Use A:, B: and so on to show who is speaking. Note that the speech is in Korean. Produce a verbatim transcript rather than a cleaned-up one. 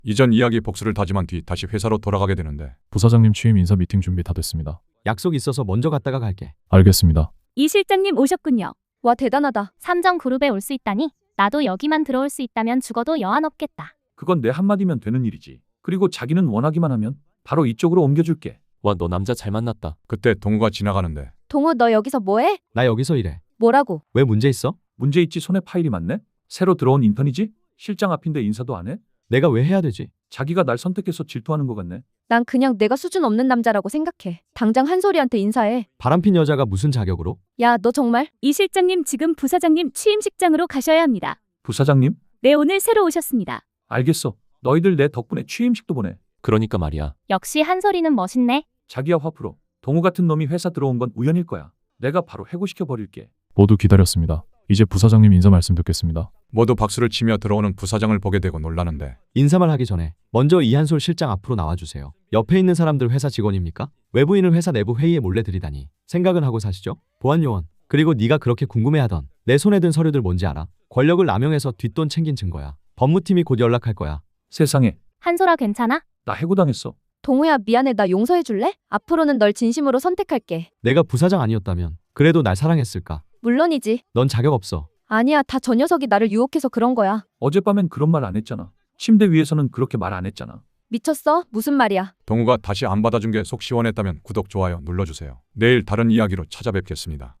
A: 이전 이야기 복수를 다짐한 뒤 다시 회사로 돌아가게 되는데
B: 부사장님 취임 인사 미팅 준비 다 됐습니다.
C: 약속 있어서 먼저 갔다가 갈게.
B: 알겠습니다.
D: 이 실장님 오셨군요.
E: 와, 대단하다.
F: 삼정그룹에 올 수 있다니 나도 여기만 들어올 수 있다면 죽어도 여한 없겠다.
G: 그건 내 한마디면 되는 일이지. 그리고 자기는 원하기만 하면 바로 이쪽으로 옮겨줄게.
H: 와, 너 남자 잘 만났다.
A: 그때 동우가 지나가는데
E: 동우, 너 여기서 뭐해?
C: 나 여기서 일해.
E: 뭐라고?
C: 왜 문제 있어?
G: 문제 있지. 손에 파일이 많네. 새로 들어온 인턴이지? 실장 앞인데 인사도 안 해?
C: 내가 왜 해야 되지?
G: 자기가 날 선택해서 질투하는 것 같네.
E: 난 그냥 내가 수준 없는 남자라고 생각해. 당장 한솔이한테 인사해.
C: 바람핀 여자가 무슨 자격으로?
E: 야, 너 정말?
D: 이 실장님 지금 부사장님 취임식장으로 가셔야 합니다.
G: 부사장님?
D: 네, 오늘 새로 오셨습니다.
G: 알겠어. 너희들 내 덕분에 취임식도 보내.
H: 그러니까 말이야.
F: 역시 한솔이는 멋있네.
G: 자기야 화풀어. 동우 같은 놈이 회사 들어온 건 우연일 거야. 내가 바로 해고시켜 버릴게.
B: 모두 기다렸습니다. 이제 부사장님 인사 말씀 듣겠습니다.
A: 모두 박수를 치며 들어오는 부사장을 보게 되고 놀라는데
C: 인사말 하기 전에 먼저 이한솔 실장 앞으로 나와주세요. 옆에 있는 사람들 회사 직원입니까? 외부인을 회사 내부 회의에 몰래 들이다니 생각은 하고 사시죠? 보안요원. 그리고 네가 그렇게 궁금해하던 내 손에 든 서류들 뭔지 알아? 권력을 남용해서 뒷돈 챙긴 증거야. 법무팀이 곧 연락할 거야.
G: 세상에.
F: 한솔아 괜찮아?
G: 나 해고당했어.
E: 동우야, 미안해. 나 용서해줄래? 앞으로는 널 진심으로 선택할게.
C: 내가 부사장 아니었다면 그래도 날 사랑했을까?
E: 물론이지.
C: 넌 자격 없어.
E: 아니야, 다 저 녀석이 나를 유혹해서 그런 거야.
G: 어젯밤엔 그런 말 안 했잖아. 침대 위에서는 그렇게 말 안 했잖아.
E: 미쳤어? 무슨 말이야?
A: 동우가 다시 안 받아준 게 속 시원했다면 구독, 좋아요 눌러주세요. 내일 다른 이야기로 찾아뵙겠습니다.